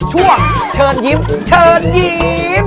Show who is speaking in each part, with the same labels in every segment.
Speaker 1: ช่วงเชิญยิ้มเชิญยิ้ม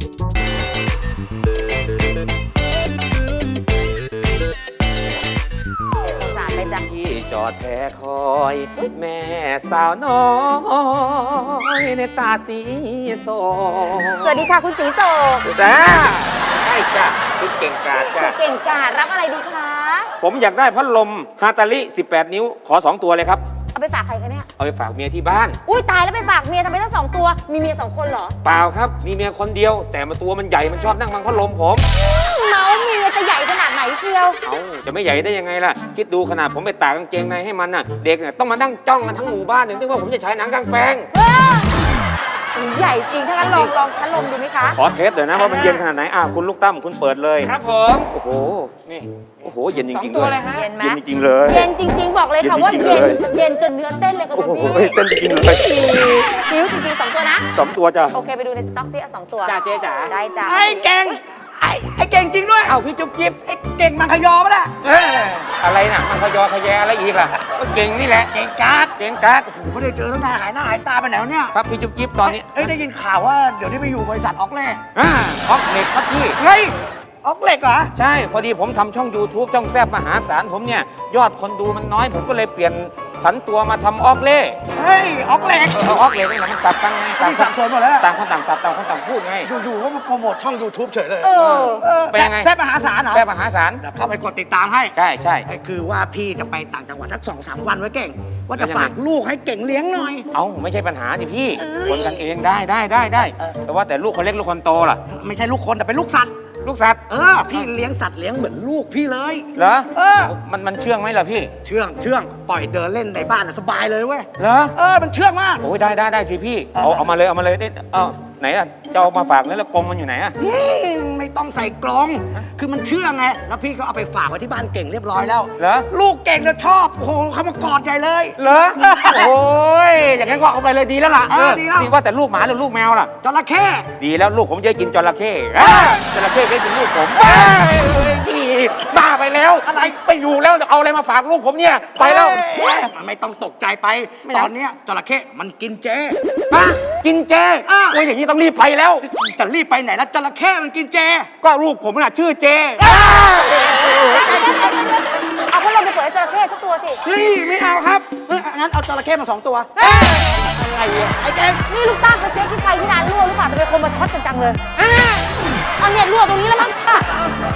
Speaker 1: ที่จอดแพ้คอยแม่สาวน้อยในตาสีโส
Speaker 2: สวัสดีค่ะคุณสีโศก
Speaker 1: จ้าใช่จ้ะคุณเก่งกาจจ้ะ
Speaker 2: เก่งกาจรับอะไรดีคะ
Speaker 1: ผมอยากได้พัดลมฮาตาลิ18 นิ้วขอ2 ตัวเลยครับ
Speaker 2: เอาไปฝากใครคะเนี่ย
Speaker 1: เอาไปฝากเมียที่บ้าน
Speaker 2: อุ้ยตายแล้วไปฝากเมียทำไมตั้ง2 ตัวมีเมีย2 คนเหรอ
Speaker 1: เปล่าครับมีเมียคนเดียว แต่มาตัวมันใหญ่มันชอบนั่งบังพัดลมผม
Speaker 2: เมาเมียจะใหญ่ขนาดไหนเชียว
Speaker 1: เอาจะไม่ใหญ่ได้ยังไงล่ะคิดดูขนาดผมไปตากกางเกงในให้มันน่ะเด็กเนี่ยต้องมานั่งจ้องกันทั้งหมู่บ้านถึงว่าผมจะใช้หนังกลางแปลง
Speaker 2: ใหญ่จริงถ้างั้นลองพัดลมดูไหมคะ
Speaker 1: ขอเทสเดี๋ยวนะว่ามันเย็นขนาดไหนคุณลูกตั้มคุณเปิดเลย
Speaker 3: ครับผม
Speaker 1: โอ้โห
Speaker 3: นี่
Speaker 1: โอ้โห เย็นจ
Speaker 3: สอง
Speaker 1: ริงๆ
Speaker 3: ตัว
Speaker 1: เล
Speaker 3: เลย ยฮะ
Speaker 2: เย็นไหม
Speaker 1: เย็นจริงๆเลย
Speaker 2: เย็นจริง ๆ บอกเลยค่ะว่า
Speaker 1: เย็
Speaker 2: เย็
Speaker 1: น
Speaker 2: น
Speaker 1: จริงๆเลย
Speaker 2: เย็นจนเนื้อเต้นเลยค่ะ
Speaker 1: โอ้
Speaker 2: คุณ
Speaker 1: โห
Speaker 2: พี่
Speaker 1: เต้นจริงๆเลย
Speaker 2: หิวจริงๆ2 ตัวนะ
Speaker 1: 2 ตัวจ้ะ
Speaker 2: โอเคไปดูในสต็อกซิเอา2 ตัว
Speaker 3: จ้าเจ๊จ๋า
Speaker 2: ได้จ้า
Speaker 3: ไอ้เก่งไอ้เก่งจริงด้วย
Speaker 1: เอาพี่จุ๊บจิ๊บ
Speaker 3: ไอ้เก่งมังคยอปะล่ะ
Speaker 1: อะไรน่ะมันขยอขยแยอะไรอีกล่ะก็เก่งนี่แหละ
Speaker 3: เก่งการ์ด
Speaker 1: เก่งการ์ด
Speaker 3: ผมไม่ได้เจอตั้งนานหายหน้าหายตาไปไหนวะเนี่ย
Speaker 1: ครับพี่จุ๊บจิ๊บตอนนี้
Speaker 3: เอ้ยได้ยินข่าวว่าเดี๋ยวนี้ไปอยู่บริษัทออกเล่
Speaker 1: ออกเหล็กครับพี่
Speaker 3: เฮ้ยออกเหล็กเหรอ
Speaker 1: ใช่พอดีผมทำช่อง YouTube ช่องแซบมหาศาลผมเนี่ยยอดคนดูมันน้อยผมก็เลยเปลี่ยนผันตัวมาทำออกเล่
Speaker 3: เฮ้ยออกเหล็ก
Speaker 1: ออกเหล็กนี่แหละมันสับกันไง
Speaker 3: นี่สับสนหมดแล้ว
Speaker 1: ต่างคนต่างสับต่างคนต่างพูดไง
Speaker 3: อยู่ๆก็มาโปรโมทช่อง YouTube เฉยเลย
Speaker 2: เออ
Speaker 1: เป็นยังไง
Speaker 3: แซ่บมหาศาลเหรอ
Speaker 1: แซบมหาศาล
Speaker 3: เดี๋ยวเข้าไปกดติดตามให้
Speaker 1: ใช่ใช่
Speaker 3: ไอ้คือว่าพี่จะไปต่างจังหวัดสัก2-3 วันไว้เก่ง ว่า
Speaker 1: แล้
Speaker 3: จะ
Speaker 1: วยังไง
Speaker 3: ฝากลูกให้เก่งเลี้ยงหน่อย
Speaker 1: เอาไม่ใช่ปัญหาสิพี่
Speaker 3: เอ้ย
Speaker 1: คนกันเองได้แต่ว่าแต่ลูกคนเล็กลูกคนโตล่ะ
Speaker 3: ไม่ใช่ลูกคนแต่เป็นลูกสัตว์
Speaker 1: ลูกสัตว์
Speaker 3: พี่เลี้ยงสัตว์เลี้ยงเหมือนลูกพี่เลย
Speaker 1: เหรอ
Speaker 3: เออ
Speaker 1: มันเชื่องไหมล่ะพี่
Speaker 3: เชื่องปล่อยเดินเล่นในบ้านน่ะสบายเลยเว้ย
Speaker 1: เหรอ
Speaker 3: มันเชื่องมาก
Speaker 1: โอ้ยได้สิพี่เอามาเลยได้ไหนอ่ะจะเอามาฝากแล้วกรงมันอยู่ไหนอ่ะ
Speaker 3: ไม่ต้องใส่กรงคือมันเชื่องไงแล้วพี่ก็เอาไปฝากไว้ที่บ้านเก่งเรียบร้อยแล้ว
Speaker 1: เหรอ
Speaker 3: ลูกเก่งจะชอบโอ้โหเขามากอดใหญ่เลย
Speaker 1: เหรอโอ้ยอย่างนั้นก็เอาไปเลยดีแล้วล่ะ
Speaker 3: ดีแล้ว
Speaker 1: นี่ว่าแต่ลูกหมาหรือลูกแมวล่ะ
Speaker 3: จระเข้
Speaker 1: ดีแล้วลูกผมจะกินจระเข้จระเข้ไม่กินลูกผมพี่บ้าไปแล้วอะไรไปอยู่แล้วเอาอะไรมาฝากลูกผมเนี่ยไปแล้ว
Speaker 3: มันไม่ต้องตกใจไป
Speaker 1: ไม่
Speaker 3: ต
Speaker 1: เอา
Speaker 3: อนเนี้ยจระเข้มันกินเจ
Speaker 1: กินเจโอ้ยอย่างนี้ต้องรีบไปแล้ว
Speaker 3: จะรีบไปไหนแล้วจระเข้มันกินเจ
Speaker 1: ก็ลูกผมน่ะชื่อเจ
Speaker 2: เอาพัดลมไปเปิดให้จระเข้สักตัวสิ
Speaker 3: เฮ้ยไม่เอาครับงั้นเอาจระเข้มา2 ตัว
Speaker 1: อะไรอ่ะ
Speaker 3: ไอ้เก่ง
Speaker 2: นี่ลูกตั้งกับเจ๊ที่ไฟที่ร้านรั่วหรือเปล่าทำไมคนมาช็อตกันจังเลยอันเนี้ยรั่วตรงนี้แล้วมั้ง